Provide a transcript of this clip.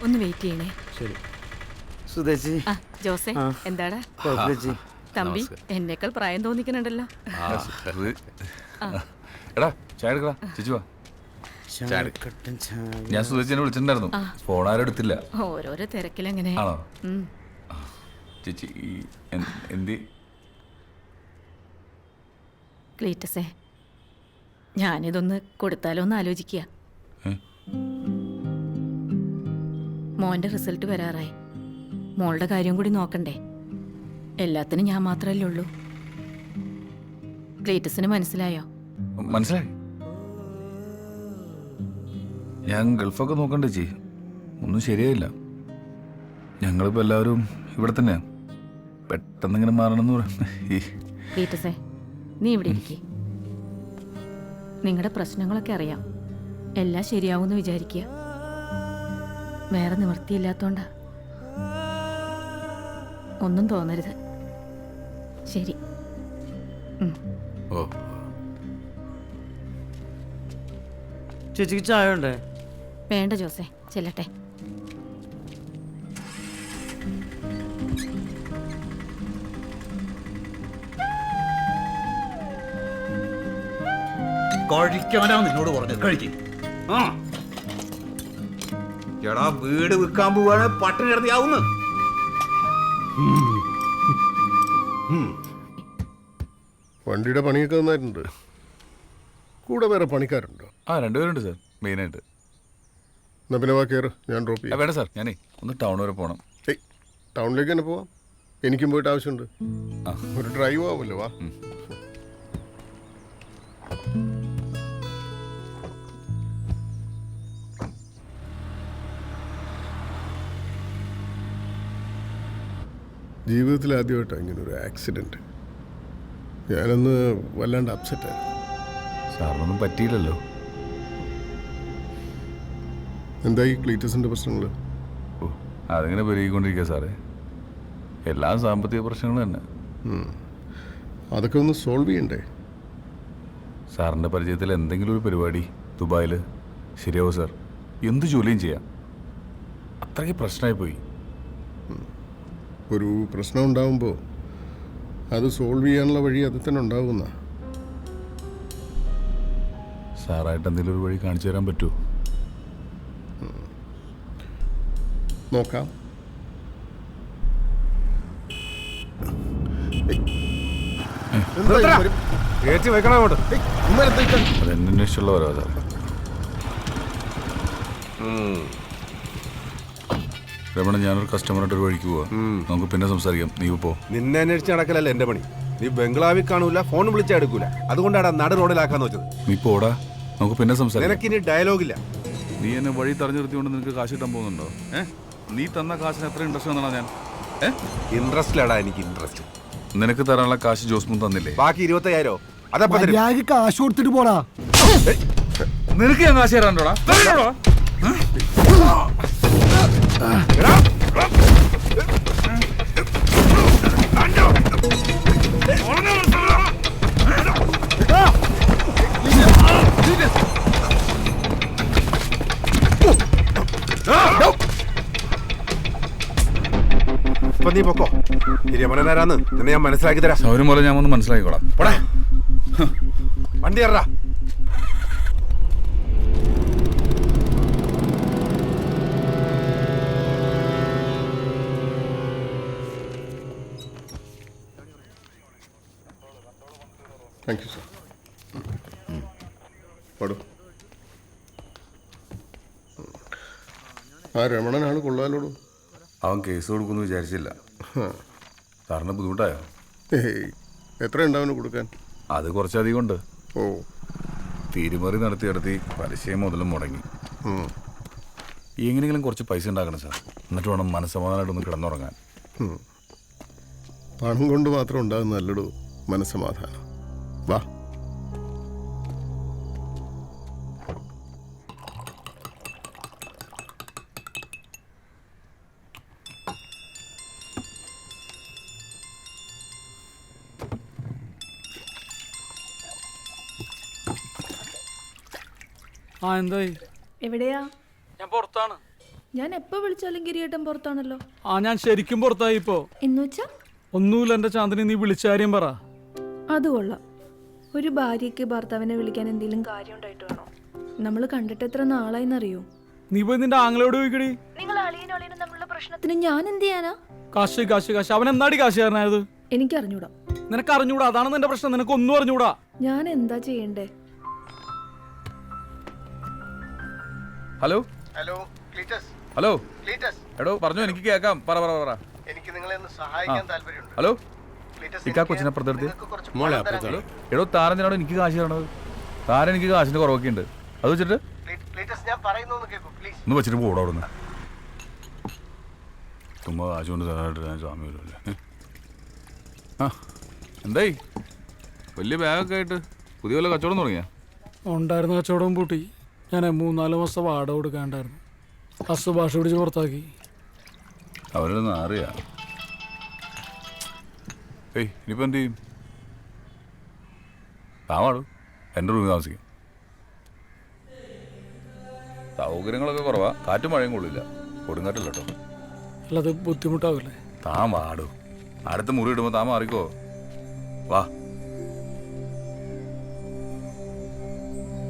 ഒന്ന് വെയിറ്റ് ചെയ്യണേ. ശരി സുധേച്ചി. ജോസേ എന്താടാ തമ്പി? എന്നേക്കാൾ പ്രായം തോന്നിക്കുന്നുണ്ടല്ലോ. എടാ ചായ എടുക്കടാ. ചേച്ചി വാ. ഞാൻ സുധേച്ചിനെ വിളിച്ചിട്ടുണ്ടായിരുന്നു, ഫോൺ ആരും എടുത്തില്ല. ഓരോരോ തിരക്കിലെങ്ങനെ. ആണോ ചേച്ചി? എന്തി ക്ലീറ്റസേ, ഞാനിതൊന്ന് കൊടുത്താലോ എന്ന് ആലോചിക്കുക. മോന്റെ റിസൾട്ട് വരാറായി. മോളുടെ കാര്യം കൂടി നോക്കണ്ടേ? എല്ലാത്തിനും ഞാൻ മാത്രമല്ലേ ഉള്ളൂ. ക്ലീറ്റസിന് മനസ്സിലായോ? മനസ്സിലായി. ഞാൻ ഗൾഫൊക്കെ നോക്കണ്ടേ ചേച്ചി, ഒന്നും ശരിയായില്ല. ഞങ്ങളിപ്പോൾ എല്ലാവരും ഇവിടെ തന്നെയാണ്. പെട്ടെന്ന് ഇങ്ങനെ മാറണമെന്ന് പറയാം. ക്ലീറ്റസേ, നീ ഇവിടെ ഇരിക്കേ. നിങ്ങളുടെ പ്രശ്നങ്ങളൊക്കെ അറിയാം. എല്ലാം ശരിയാവുമെന്ന് വിചാരിക്കുക. വേറെ നിവൃത്തിയില്ലാത്തോണ്ടാ. ഒന്നും തോന്നരുത്. ശരി. ഓ ചേച്ചിക്ക് ചായ ഉണ്ടേ? വേണ്ട ജോസേ, ചെല്ലട്ടെ. കഴിക്കാനാ നിന്നോട് പറഞ്ഞത്. കഴിക്കും. എടാ വീട് വിൽക്കാൻ പോവാണ്, പട്ടിണി കിടത്തിയാവുന്നു. വണ്ടിയുടെ പണിയൊക്കെ നന്നായിട്ടുണ്ട്. കൂടെ വേറെ പണിക്കാരുണ്ടോ? രണ്ടുപേരുണ്ട് സാർ, മെയിനായിട്ട്. എന്നാ പിന്നെ വാ കയറ്, ഞാൻ ഡ്രോപ്പ് ചെയ്യാം. വേണ്ട സാർ, ഞാനേ ഒന്ന് ടൗൺ വരെ പോകണം. ടൗണിലേക്ക് തന്നെ പോവാം. എനിക്കും പോയിട്ട് ആവശ്യമുണ്ട്. ഒരു ഡ്രൈവ് ആവുമല്ലോ. വാ. ജീവിതത്തിൽ ആദ്യമായിട്ടാണ് ഇങ്ങനൊരു ആക്സിഡൻറ്റ്. ഞാനൊന്ന് വല്ലാണ്ട് അപ്സെറ്റായിരുന്നു. സാറിനൊന്നും പറ്റിയില്ലല്ലോ. എന്തായി ക്ലീറ്റസിൻ്റെ പ്രശ്നങ്ങൾ? ഓ, അതിങ്ങനെ പെരുകിക്കൊണ്ടിരിക്കുക സാറേ. എല്ലാ സാമ്പത്തിക പ്രശ്നങ്ങളും തന്നെ. അതൊക്കെ ഒന്ന് സോൾവ് ചെയ്യണ്ടേ? സാറിൻ്റെ പരിചയത്തിൽ എന്തെങ്കിലും ഒരു പരിപാടി ദുബായിൽ ശരിയാവും സാർ. എന്ത് ജോലിയും ചെയ്യാം. അത്രയ്ക്ക് പ്രശ്നമായി പോയി. ഒരു പ്രശ്നം ഉണ്ടാകുമ്പോൾ അത് സോൾവ് ചെയ്യാനുള്ള വഴി അത് തന്നെ ഉണ്ടാകുന്ന. സാറായിട്ട് എന്തെങ്കിലും ഒരു വഴി കാണിച്ചു തരാൻ പറ്റുമോ? നോക്കാം. അതെന്നന്വേഷിച്ചുള്ള ഓരോ സാർ. രമണ, ഞാനൊരു കസ്റ്റമറായിട്ട് ഒരു വഴിക്ക് പോവാ. നമുക്ക് പിന്നെ സംസാരിക്കാം. നീ പോ. നിന്നെ അന്വേഷിച്ച് നടക്കലല്ല എന്റെ പണി. നീ ബംഗ്ലാവിൽ കാണൂല, ഫോൺ വിളിച്ചാൽ എടുക്കൂല. അതുകൊണ്ടാണ് നട റോഡിലാക്കാന്ന് വെച്ചത്. നീ പോടാ, നമുക്ക് പിന്നെ സംസാരിക്കാം. നിനക്കിനി ഡയലോഗില്ല. നീ എന്നെ വഴി തടഞ്ഞു നിർത്തിക്കൊണ്ട് നിനക്ക് കാശ് കിട്ടാൻ പോകുന്നുണ്ടോ? നീ തന്ന കാശിന് എത്ര ഇൻട്രസ്റ്റ് വന്നാ ഞാൻ? ഇൻട്രസ്റ്റിലാടാ എനിക്ക് ഇൻട്രസ്റ്റ്. നിനക്ക് തരാനുള്ള കാശ് ജോസ്മുൻ തന്നില്ലേ? ബാക്കി 25,000 അതപ്പോ കാശ് കൊടുത്തിട്ട് പോടാ. നിനക്ക് ഞാൻ കാശ് തരാണ്ടോടാ? ഇപ്പൊ നീ പൊക്കോ. രമണനാരാന്ന് നിന്നെ ഞാൻ മനസ്സിലാക്കി തരാം. സൗരം പോലെ ഞാൻ ഒന്ന് മനസ്സിലാക്കിക്കോളാം. പോടാ, വണ്ടി കയറാ. Thank you sir. പാടൂ. ആ രമണനാണ് കൊള്ളാലോടൂ. അവൻ കേസ് കൊടുക്കുമെന്ന് വിചാരിച്ചില്ല. സാറിന് ബുദ്ധിമുട്ടായോ? എത്രയുണ്ട് അവന് കൊടുക്കാൻ? അത് കുറച്ചധികം ഉണ്ട്. ഓ, തിരിമറി നടത്തി പലിശയും മുതലും മുടങ്ങി. എങ്ങനെയെങ്കിലും കുറച്ച് പൈസ ഉണ്ടാക്കണം സാർ. എന്നിട്ട് വേണം മനസ്സമാധാനമായിട്ടൊന്ന് കിടന്നുറങ്ങാൻ. പണം കൊണ്ട് മാത്രം ഉണ്ടാകുന്ന നല്ലടൂ മനസ്സമാധാനം. വാ. എന്തായി? എവിടെയാ? ഞാൻ പുറത്താണ്. ഞാൻ എപ്പോ വിളിച്ചാലും കിരീടം പുറത്താണല്ലോ. ആ ഞാൻ ശരിക്കും പുറത്തായി ഇപ്പോ. എന്നുവെച്ചാ? ഒന്നുമില്ല എന്റെ ചാന്ദിനി, നീ വിളിച്ച കാര്യം പറ. അത് കൊള്ളാം. ഒരു ഭാര്യയ്ക്ക് ഭർത്താവിനെ വിളിക്കാൻ എന്തെങ്കിലും കാര്യം ഉണ്ടായിട്ട് വേണോ? നമ്മൾ കണ്ടിട്ട് എത്ര നാളായിന്നറിയോ? നീ പോയി നിന്റെ ആങ്ങളോട് ചോദിക്കടി. നിങ്ങൾ അളിയനും തമ്മിലുള്ള പ്രശ്നത്തിന് ഞാൻ എന്ത് ചെയ്യാനാ? കാശ് കാശ് കാശ്, അവൻ എന്നാടി കാശുകാരനായത്? എനിക്ക് അറിഞ്ഞൂടാ. നിനക്ക് അറിഞ്ഞൂടാ, അതാണ് നിന്റെ പ്രശ്നം. നിനക്ക് ഒന്നും അറിഞ്ഞൂടാ. ഞാൻ എന്താ ചെയ്യണ്ടേ? Hello hello Cleetus. Hello Cleetus, എടോ പറഞ്ഞു, എനിക്ക് കേൾക്കാം. പറ പറ പറ. എനിക്ക് നിങ്ങളെ ഒന്ന് സഹായിക്കാൻ താല്പര്യമുണ്ട്. ഹലോ ക്ലീറ്റസ്, ഇക്കാ കൊച്ചിനെ അപ്പുറത്തെടുത്ത്. നിങ്ങൾക്ക് കുറച്ച് മോളെ പണം തരാൻ അപ്പുറത്താണോ? എടോ താരത്തിനാണോ എനിക്ക് കാശ് തരണത്? താരം എനിക്ക് കാശിന്റെ കുറവൊക്കെ ഉണ്ട്. അത് വെച്ചിട്ട് ക്ലീറ്റസ്, ഞാൻ പറയുന്നൊന്ന് കേൾക്കൂ പ്ലീസ്. ഒന്ന് വെച്ചിട്ട് പോടാ അവിടുന്ന്. ചുമ്മാ കാശ് കൊണ്ട് തരാനായിട്ട് ഞാൻ സ്വാമി വരുമല്ലേ. ആ എന്തായി? വലിയ ബാഗൊക്കെ ആയിട്ട് പുതിയ വല്ല കച്ചവടം തുടങ്ങിയാ? ഉണ്ടായിരുന്ന കച്ചവടം പൂട്ടി. ഞാൻ 3-4 മാസം വാടക കൊടുക്കാണ്ടായിരുന്നു. ഹസ് ഭാഷ പിടിച്ച് പുറത്താക്കി. അവരൊന്നും അറിയാ. ഏയ് ഇനിയിപ്പോൾ എന്ത് ചെയ്യും? താവാടു, എൻ്റെ റൂമിൽ താമസിക്കും. സൗകര്യങ്ങളൊക്കെ കുറവാ, കാറ്റും മഴയും കൊള്ളില്ല, കൊടുങ്കാറ്റില്ല കേട്ടോ. അല്ലാതെ ബുദ്ധിമുട്ടാവില്ലേ? താൻ വാടു, അടുത്ത മുറി ഇടുമ്പോൾ താൻ മാറിക്കോ. വാ.